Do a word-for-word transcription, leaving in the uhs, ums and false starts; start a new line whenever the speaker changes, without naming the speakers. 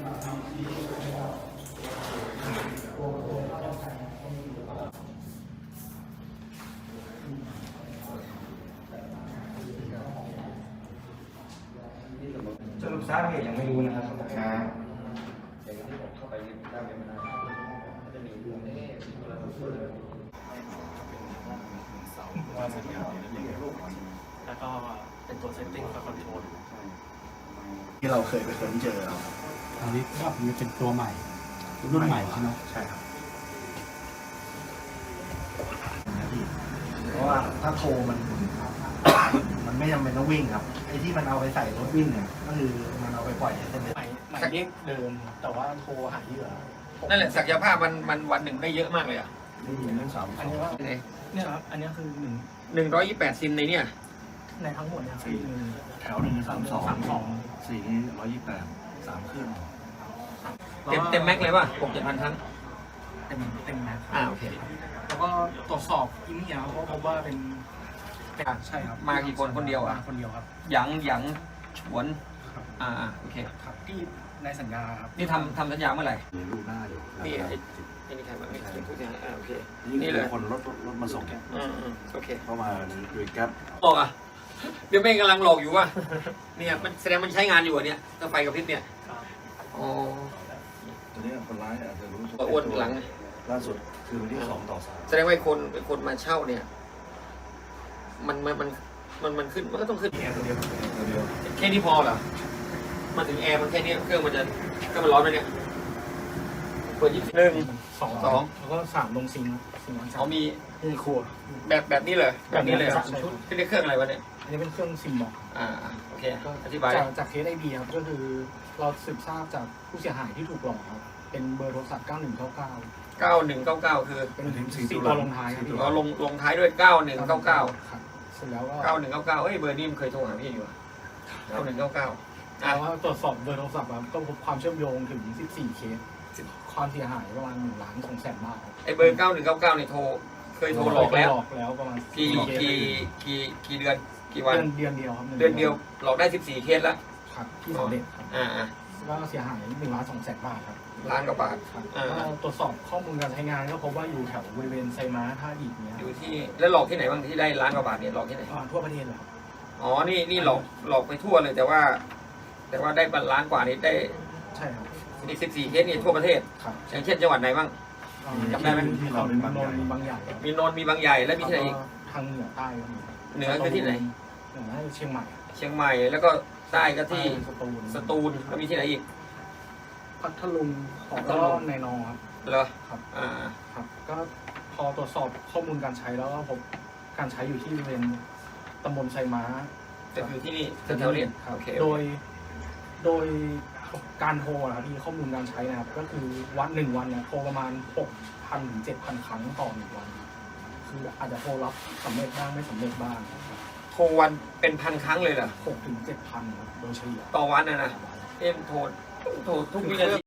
สรุปทราบเหตุยังไม่รู้นะครับครับ
อย่างที่ผมเข้าไปได้ไม่ได้จะมีเรื่องเอ๊ะเราพูดเลย
ว่าสัญญาณแล้วก็เป็นตัวเซตติ้งกับคอนโทรล
ที่เราเคยไปค้นเจอครับ
อันนี้ก็มันเป็นตัวใหม่รุ่นใหม่ใช่ไหม
ใช่ครับเพราะว่าถ้าโทรมัน มันไม่จำเป็นต้องวิ่งครับไอ้ที่มันเอาไปใส่รถวิ่งเนี่ยก็คือมันเอาไปปล่อยในเส้นเลือด
ใหม่ใหม่เลขเดิมแต่ว่าโทรหาเหยื่อ
นั่นแหละศักยภาพมันมันวันหนึ่งได้เยอะมากเลยอ่ะ
ได้ยินเรื่องสาม
อันนี้ว่าเนี่ยครับอันนี้คือหนึ่ง
หนึ่งร้อยยี่สิบแปดซิมในเนี่ย
ในทั้งหมดเนี่ยคือหนึ่ง
แถวหนึ่งสามสอง
สามสอง
สี่นี้ร้อยยี่สิบแปดสามเครื่อง
เต็มเต็มแม็กเลยป่ะหกเจ็ดพันครั้ง
เต็มเต็มนะ
อ่าโอเค
แล้วก็ตรวจสอบอินเนียเพราะพบว่าเป็นใช่ครับ
มากี่คนคนเดียวอ่ะ
คนเดียวครับ
หยังหยังฉวนอ่าโอเค
ครับที่ในสัญญาครับ
นี่ทำทำสัญญาเมื่อไหร่
มีรูปหน้าอยู่
นี่ไอ้ไอ้นี่ใครมาไม่ใช่ทุกอย่างอ่าโอเค
นี่
นี่
เล
เลย ย
คนรถรถมาส่งเนี่ย
อืมอืมโอเค
เข้ามาโดยแก๊ป
หลอกอ่ะเดี๋ยวแม่งกำลังหลอกอยู่ว่ะเนี่ยมันแสดงมันใช้งานอยู่อ่ะเนี่ยถ้าไฟกับพริบเนี่ยอ๋อ
ตัวนี้คนร้ายอาจจะรู้
ตัวอ้วนหลัง
ล่าสุดคือวันที่สองต่อสาม
แสดงว่าไอ้คนไอ้คนมาเช่าเนี่ย มันมันมันมันมันขึ้นมันก็ต้องขึ้น
แค่ตัวเดียวตัวเดียว
แค่นี้พอเหรอมาถึงแอร์มันแค่นี้เครื่องมันจะเครื่องมันร้อนไหมเนี่ยเปิดยี่สิบหนึ่ง
สอง
สอง
แล้วก็สามลงซิงค์ซิงค์วันสา
เขา
ม
มี
มีครัว
แบบแบบนี้เลยแบบนี้เลย
แบบนี้เลย
ที่เรียกเครื่องอะไรวะเนี่ย
อันนี้เป็นเครื่องซิมบอก
อ่าโอเคอธิบาย
จากจากเคสไอบีครับก็คือเราสืบทราบจากผู้เสียหายที่ถูกหลอกครับเป็นเบอร์โทรศัพท์เก้าหนึ่งเก้าเก้า
เก้าหนึ่งเก้าเก้าคือ
เป็นสี่ตัวลงท้ายครับพี่
เราลงลงท้ายด้วยเก้าหนึ่งเก้าเก้า
ครับเสร็จแล้วก็
เก้าหนึ่งเก้าเก้าเอ้ยเบอร์นี้มันเคยโทรหาพี่อยู่เก้าหนึ่งเก้าเก้าอ่ะ
แต่ว่าตรวจสอบเบอร์โทรศัพท์ครับก็พบความเชื่อมโยงถึงสิบสี่เคสความเสียหายประมาณหนึ่งล้านสองแสนบาทครับ
ไอเบอร์เก้าหนึ่งเก้าเก้าเนี่ยโทรเคยโทรหลอกแล้ว
หลอกแล้วประมาณ
กี่
เคส
กี่กี่กี่เดือนกี่วัน
เดือนเดือนเดียวครับ
เดือนเดียวหลอกได้สิบสี่เคสแล้ว
ครับที่สำเร็จครับ
อ่าอ่า
ก็เสียหายหนึ่งล้านสองแสนบาทครับ
ล้านกว่าบาท
ครับ
อ่า
ก็ตรวจสอบข้อมูลการใช้งานก็พบว่าอยู่แถวบริเวณไซม้าท่าอิฐเนี้ย
อยู่ที่แล้วหลอกที่ไหนบ้างที่ได้ล้านกว่าบาทเนี่ยหลอกที่ไหน
อ่าทั่วประเทศเลยครับ
อ๋อนี่นี่หลอกหลอกไปทั่วเลยแต่ว่า แต่ว่าได้ล้านกว่านี้ได้
ใช่ครับ
อีกสิบสี่เคสนี่ทั่วประเทศ
ครับ
อย่างเช่นจังหวัดไหนบ้าง
อ่า
จำได้ไหม
ที่เราเป็นบาง
น
ใหญ่
นท์บางใหญ่ครับ
มีนนท์มีบางใหญ่แล้วมีที่ไหนอีก
แล้วทางเหนือใต้ก็มี
เหนือคือที่ไหน
เหนือเชียงใหม่
เชียงใหม่แล้วก็ใต้ก็ที่
สตูล
สตูลแล้วมีที่ไหนอีก
พัทลุงของ
พัท
ก็
ลุง
ในนอครับ
เหรอ
ครับ
อ่า
ครับ ก็พอตรวจสอบข้อมูลการใช้แล้วก็พบการใช้อยู่ที่บริเวณตำบลไซม้า
ก็คือที่นี่แถวๆนี้
ครับ
โอเค
โดยโดยการโทรนะครับมีข้อมูลการใช้นะครับ ก็คือวันหนึ่งวันเนี่ยโทรประมาณหกพันถึงเจ็ดพันครั้งต่อหนึ่งวัน คืออาจจะโทรรับสำเร็จบ้างไม่สำเร็จบ้าง
โทรวันเป็นพันครั้งเลยเหรอ
หกถึงเจ็ดพันครับโดยเฉลี่ย
ต่อวันนะนะเอ็มโทรโทรทุกวินาที